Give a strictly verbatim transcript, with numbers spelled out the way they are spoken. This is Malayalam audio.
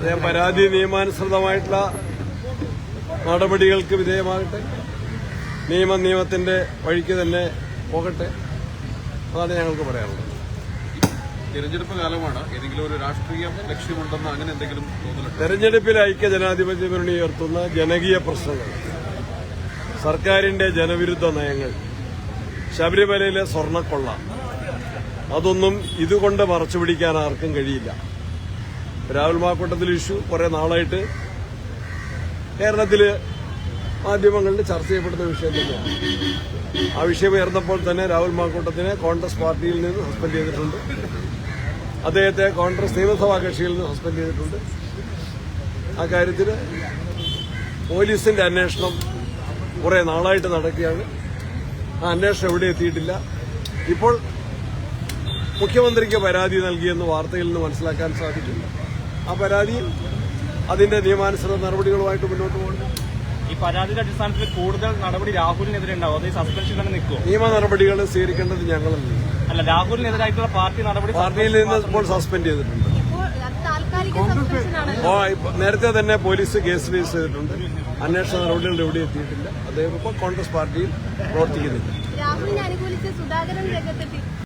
പരാതി നിയമാനുസൃതമായിട്ടുള്ള നടപടികൾക്ക് വിധേയമാകട്ടെ, നിയമം നിയമത്തിന്റെ വഴിക്ക് തന്നെ പോകട്ടെ. അതാണ് ഞങ്ങൾക്ക് പറയാനുള്ളത്. തെരഞ്ഞെടുപ്പ് കാലമാണ്, ഏതെങ്കിലും ഒരു രാഷ്ട്രീയ ലക്ഷ്യമുണ്ടെന്ന് അങ്ങനെ എന്തെങ്കിലും തോന്നുന്നുണ്ട്? തെരഞ്ഞെടുപ്പിൽ ഐക്യ ജനാധിപത്യ മുന്നണി ഉയർത്തുന്ന ജനകീയ പ്രശ്നങ്ങൾ, സർക്കാരിന്റെ ജനവിരുദ്ധ നയങ്ങൾ, ശബരിമലയിലെ സ്വർണ്ണക്കൊള്ള, അതൊന്നും ഇതുകൊണ്ട് മറച്ചുപിടിക്കാൻ ആർക്കും കഴിയില്ല. രാഹുൽ മാക്കൂട്ടത്തിൽ ഇഷ്യൂ കുറെ നാളായിട്ട് കേരളത്തില് മാധ്യമങ്ങളിൽ ചർച്ച ചെയ്യപ്പെടുന്ന വിഷയം തന്നെയാണ്. ആ വിഷയം ഉയർന്നപ്പോൾ തന്നെ രാഹുൽ മാക്കൂട്ടത്തിനെ കോൺഗ്രസ് പാർട്ടിയിൽ നിന്ന് സസ്പെൻഡ് ചെയ്തിട്ടുണ്ട്. അദ്ദേഹത്തെ കോൺഗ്രസ് നിയമസഭാ കക്ഷിയിൽ നിന്ന് സസ്പെൻഡ് ചെയ്തിട്ടുണ്ട്. ആ കാര്യത്തിൽ പോലീസിന്റെ അന്വേഷണം കുറെ നാളായിട്ട് നടക്കുകയാണ്. ആ അന്വേഷണം എവിടെ എത്തിയിട്ടില്ല. ഇപ്പോൾ മുഖ്യമന്ത്രിക്ക് പരാതി നൽകിയെന്ന് വാർത്തയിൽ നിന്ന് മനസ്സിലാക്കാൻ സാധിക്കും. ആ പരാതിയിൽ അതിന്റെ നിയമാനുസൃത നടപടികളുമായിട്ട് മുന്നോട്ട് പോകുന്നു. ഈ പരാതിയുടെ അടിസ്ഥാനത്തിൽ കൂടുതൽ നടപടി രാഹുലിനെതിരെ ഉണ്ടാവും, അത് ഈ സസ്പെൻഷൻ തന്നെ നിൽക്കും? നിയമ നടപടികൾ സ്വീകരിക്കേണ്ടത് ഞങ്ങളല്ല. അല്ല, രാഹുലിനെതിരായിട്ടുള്ള പാർട്ടി നടപടി പാർട്ടിയിൽ നിന്ന് ഇപ്പോൾ സസ്പെൻഡ് ചെയ്തിട്ടുണ്ട്. നേരത്തെ തന്നെ പോലീസ് കേസ് രജിസ്റ്റർ ചെയ്തിട്ടുണ്ട്. അന്വേഷണ നടപടികൾ എവിടെ എത്തിയിട്ടില്ല. അദ്ദേഹം ഇപ്പോൾ കോൺഗ്രസ് പാർട്ടിയിൽ പ്രവർത്തിക്കുന്നില്ല.